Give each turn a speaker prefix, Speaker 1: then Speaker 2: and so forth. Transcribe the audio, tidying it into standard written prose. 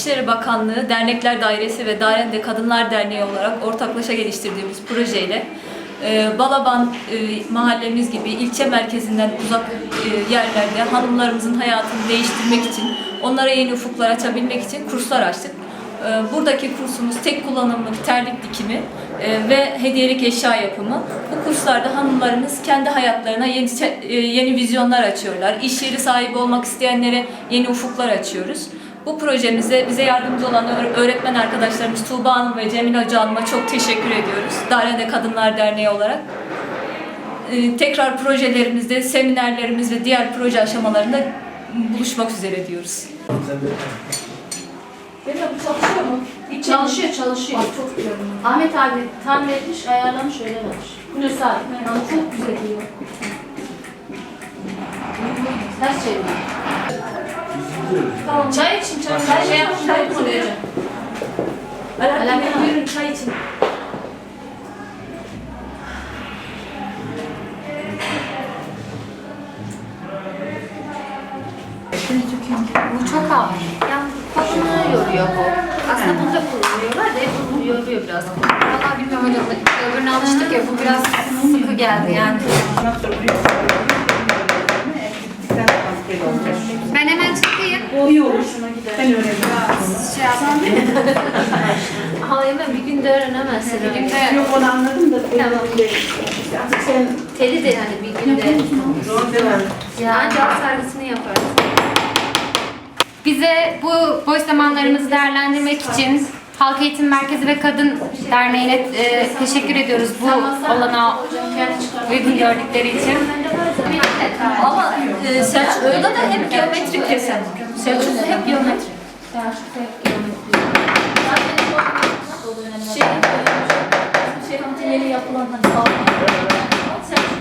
Speaker 1: İçişleri Bakanlığı Dernekler Dairesi ve Darende Kadınlar Derneği olarak ortaklaşa geliştirdiğimiz projeyle Balaban mahallemiz gibi ilçe merkezinden uzak yerlerde hanımlarımızın hayatını değiştirmek için, onlara yeni ufuklar açabilmek için kurslar açtık. Buradaki kursumuz tek kullanımlık terlik dikimi ve hediyelik eşya yapımı. Bu kurslarda hanımlarımız kendi hayatlarına yeni vizyonlar açıyorlar. İş yeri sahibi olmak isteyenlere yeni ufuklar açıyoruz. Bu projemizde bize yardımcı olan öğretmen arkadaşlarımız Tuğba Hanım ve Cemil Hoca Hanım'a çok teşekkür ediyoruz. Darende Kadınlar Derneği olarak. Tekrar projelerimizde, seminerlerimiz ve diğer proje aşamalarında buluşmak üzere diyoruz.
Speaker 2: Benim bu çalışıyor mu?
Speaker 3: Çalışıyor.
Speaker 2: Bak, çok güzel.
Speaker 3: Ahmet abi tamir etmiş, ayarlamış, öyle vermiş.
Speaker 2: Hulusi abi. Yani çok güzel diyor.
Speaker 3: Ters çeviriyor.
Speaker 2: Tamam.
Speaker 3: Çay için, çay. Şey yapmış, çay koyacağım.
Speaker 2: Alaaddin buyurun çay için.
Speaker 3: Bu çok ağır. Yani kolunu yoruyor bu. Aslında bunu da kullanıyorlar da bunu yoruyor biraz. Valla bilmiyorum hocam. Öbürüne alıştık ya, bu biraz sıkı geldi yani. Ben hemen çıkayım.
Speaker 4: İyi olur. Ben öğrenirim.
Speaker 3: Şey yapayım. Hemen bir günde öğrenemezsin. Bir günde
Speaker 4: Yok onu anladım da.
Speaker 3: Tamam.
Speaker 4: Artık sen
Speaker 3: teli de hani bir günde.
Speaker 4: zor değil mi?
Speaker 3: Yani cevap servisini yaparız.
Speaker 5: Bize bu boş zamanlarımızı değerlendirmek için Halk Eğitim Merkezi ve Kadın Derneği'ne teşekkür ediyoruz bu olanağı uygun gördükleri için.
Speaker 1: Ama Selçuklu'da da hep geometrik desen. Selçuklu'da hep geometrik. Şey, kantinleri yapılan hani